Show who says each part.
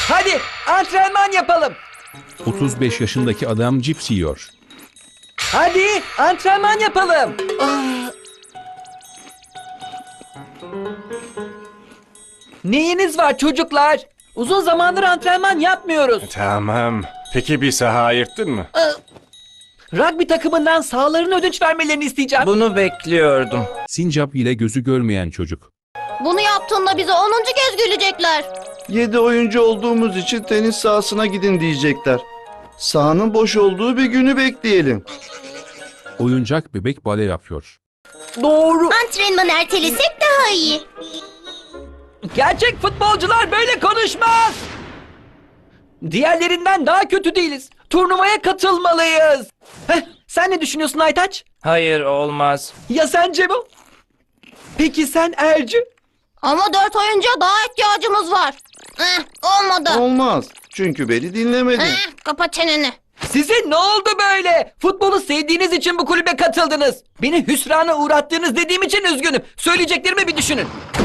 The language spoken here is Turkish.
Speaker 1: Hadi antrenman yapalım.
Speaker 2: 35 yaşındaki adam cips yiyor.
Speaker 1: Hadi antrenman yapalım. Neyiniz var çocuklar? Uzun zamandır antrenman yapmıyoruz.
Speaker 3: Tamam. Peki bir saha ayırttın mı?
Speaker 1: Rugby takımından sahalarını ödünç vermelerini isteyeceğim.
Speaker 4: Bunu bekliyordum.
Speaker 2: Sincap ile gözü görmeyen çocuk.
Speaker 5: Bunu yaptığında bize 10. kez gülecekler.
Speaker 6: 7 oyuncu olduğumuz için tenis sahasına gidin diyecekler. Sahanın boş olduğu bir günü bekleyelim.
Speaker 2: Oyuncak bebek bale yapıyor.
Speaker 1: Doğru.
Speaker 5: Antrenmanı ertelesek daha iyi.
Speaker 1: Gerçek futbolcular böyle konuşmaz. Diğerlerinden daha kötü değiliz. Turnuvaya katılmalıyız. Sen ne düşünüyorsun Aytaç?
Speaker 4: Hayır, olmaz.
Speaker 1: Ya sen Cemo? Peki sen Ercü?
Speaker 5: Ama 4 oyuncuya daha ihtiyacımız var. Olmadı.
Speaker 6: Olmaz. Çünkü beni dinlemedin.
Speaker 5: Kapa çeneni.
Speaker 1: Size ne oldu böyle? Futbolu sevdiğiniz için bu kulübe katıldınız. Beni hüsrana uğrattığınız dediğim için üzgünüm. Söyleyeceklerimi bir düşünün.